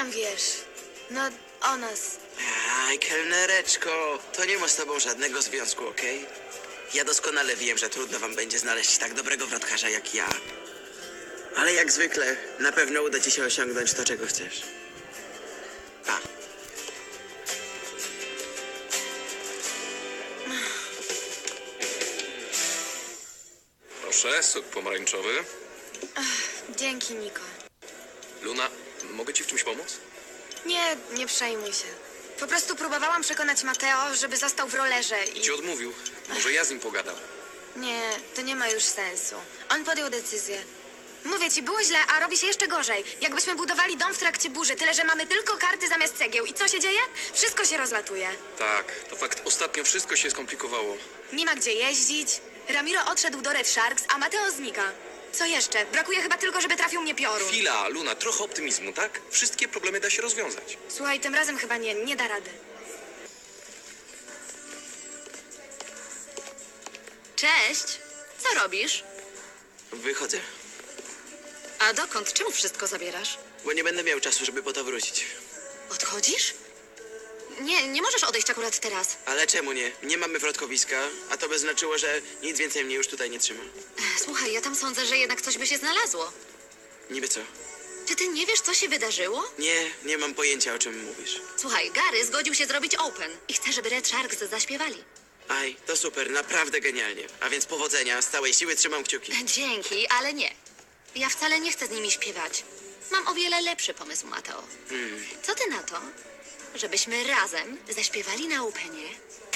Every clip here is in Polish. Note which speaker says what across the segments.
Speaker 1: tam wiesz? No, o nas.
Speaker 2: Aj, kelnereczko, to nie ma z tobą żadnego związku, okej? Ja doskonale wiem, że trudno wam będzie znaleźć tak dobrego wrotkarza jak ja. Ale jak zwykle, na pewno uda ci się osiągnąć to, czego chcesz. Pa.
Speaker 3: Proszę, sok pomarańczowy.
Speaker 1: Dzięki, Niko.
Speaker 3: Luna, mogę ci w czymś pomóc?
Speaker 1: Nie przejmuj się. Po prostu próbowałam przekonać Mateo, żeby został w rollerze i...
Speaker 3: Ci odmówił. Może ja z nim pogadam.
Speaker 1: Nie, to nie ma już sensu. On podjął decyzję. Mówię ci, było źle, a robi się jeszcze gorzej. Jakbyśmy budowali dom w trakcie burzy, tyle że mamy tylko karty zamiast cegieł. I co się dzieje? Wszystko się rozlatuje.
Speaker 3: Tak, to fakt. Ostatnio wszystko się skomplikowało.
Speaker 1: Nie ma gdzie jeździć. Ramiro odszedł do Red Sharks, a Mateo znika. Co jeszcze? Brakuje chyba tylko, żeby trafił mnie piorun.
Speaker 3: Chwila, Luna, trochę optymizmu, tak? Wszystkie problemy da się rozwiązać.
Speaker 1: Słuchaj, tym razem chyba nie da rady.
Speaker 4: Cześć! Co robisz?
Speaker 2: Wychodzę,
Speaker 4: A dokąd? Czemu wszystko zabierasz?
Speaker 2: bo nie będę miał czasu, żeby po to wrócić.
Speaker 4: Odchodzisz? Nie możesz odejść akurat teraz.
Speaker 2: Ale czemu nie? Nie mamy wrotkowiska, a to by znaczyło, że nic więcej mnie już tutaj nie trzyma.
Speaker 4: Słuchaj, ja tam sądzę, że jednak coś by się znalazło.
Speaker 2: Niby co?
Speaker 4: Czy ty nie wiesz, co się wydarzyło?
Speaker 2: Nie mam pojęcia, o czym mówisz.
Speaker 4: Słuchaj, Gary zgodził się zrobić open i chce, żeby Red Sharks zaśpiewali.
Speaker 2: Aj, to super, naprawdę genialnie. A więc powodzenia, z całej siły trzymam kciuki.
Speaker 4: Dzięki, ale nie. Ja wcale nie chcę z nimi śpiewać. Mam o wiele lepszy pomysł, Mateo. Co ty na to, żebyśmy razem zaśpiewali na openie?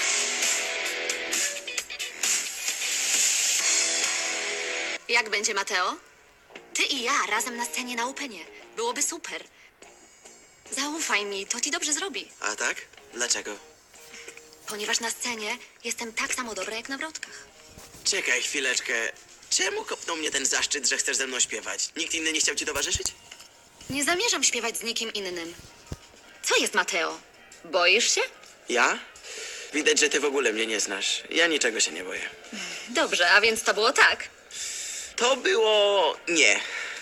Speaker 4: Jak będzie, Mateo? Ty i ja razem na scenie na openie. Byłoby super. Zaufaj mi, to ci dobrze zrobi.
Speaker 2: A tak? Dlaczego?
Speaker 4: Ponieważ na scenie jestem tak samo dobra jak na wrotkach.
Speaker 2: Czekaj chwileczkę. Czemu kopnął mnie ten zaszczyt, że chcesz ze mną śpiewać? Nikt inny nie chciał ci towarzyszyć?
Speaker 4: Nie zamierzam śpiewać z nikim innym. Co jest, Mateo? Boisz się?
Speaker 2: Ja? Widać, że ty w ogóle mnie nie znasz. Ja niczego się nie boję.
Speaker 4: Dobrze, a więc to było tak.
Speaker 2: To było... nie.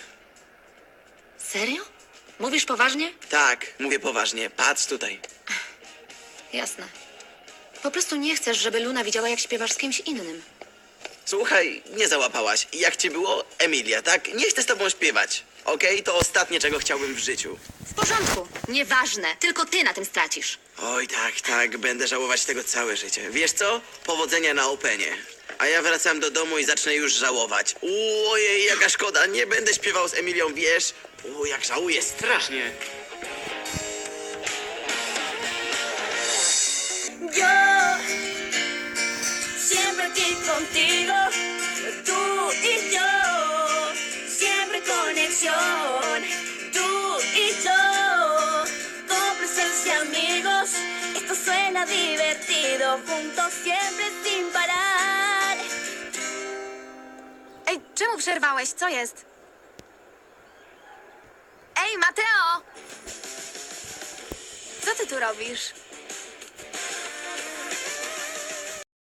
Speaker 4: Serio? Mówisz poważnie?
Speaker 2: Tak, mówię poważnie. Patrz tutaj.
Speaker 4: Jasne. Po prostu nie chcesz, żeby Luna widziała, jak śpiewasz z kimś innym.
Speaker 2: Słuchaj, nie załapałaś. Jak ci było? Emilia, tak? Nie chcę z tobą śpiewać. Okej? To ostatnie, czego chciałbym w życiu.
Speaker 4: W porządku. Nieważne. Tylko ty na tym stracisz.
Speaker 2: Oj, tak. Będę żałować tego całe życie. Wiesz co? Powodzenia na openie. A ja wracam do domu i zacznę już żałować. Ojej, jaka szkoda. Nie będę śpiewał z Emilią, wiesz? Jak żałuję, strasznie.
Speaker 5: Yo siempre aquí contigo, tú y yo, siempre conexión, tú y yo, cómplices y amigos, esto suena divertido, juntos siempre sin parar.
Speaker 1: Ej, czemu przerwałeś? Co jest? Ej, Mateo! Co ty tu robisz?